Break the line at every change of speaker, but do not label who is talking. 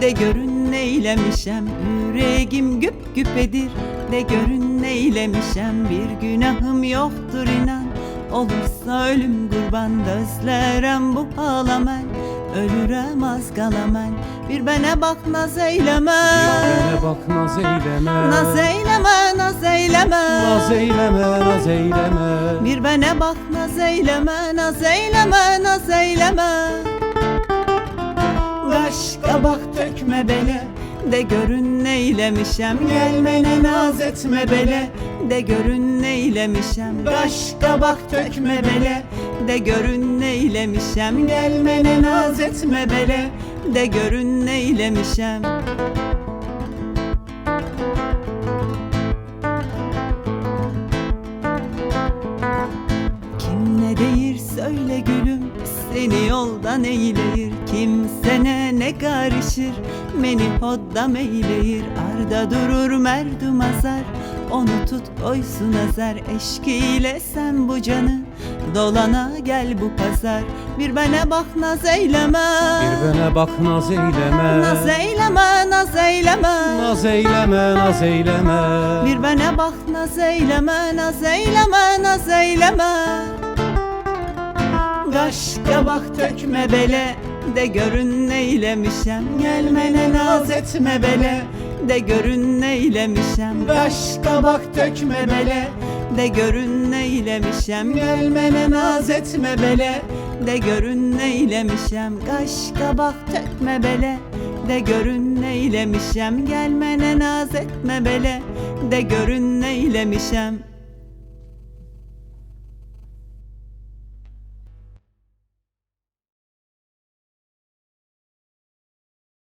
de görün neylemişem. Yüreğim güp güpedir, de görün neylemişem. Bir günahım yoktur inan, olursa ölüm kurban. Dözlerem bu halamen, ölürem az kalamen. Bir bana bak naz eyleme,
bana bak naz eyleme,
naz eyleme, naz eyleme,
naz eyleme, naz eyleme.
bir bana bak naz eyleme, naz eyleme, naz eyleme. Kaş kabak dökme bele, de görün neylemişem. Gelmene naz etme bele, de görün neylemişem. Kaş kabak dökme bele, de görün neylemişem. Gelmene naz etme bele, de görün neylemişem. Kim ne deyir söyle gülüm, seni yoldan eyleyir. Kimsene ne karışır, beni hoddam eyleyir. Arda durur merdum azar, onu tut koysun azar. Eşkiyle sen bu canı, dolana gel bu pazar. Bir bana bak naz eyleme,
Bir bana bak naz eyleme,
naz eyleme, naz eyleme,
naz eyleme, naz eyleme.
bir bana bak naz eyleme, naz eyleme, naz eyleme. Kaş kabak dökme bele, de görün neylemişem. Gelmene naz etme bele, de görün neylemişem. Kaş kabak dökme bele, de görün neylemişem. Gelmene naz etme bele, de görün neylemişem. Kaş kabak dökme bele, de görün neylemişem. Gelmene naz etme bele, de görün neylemişem.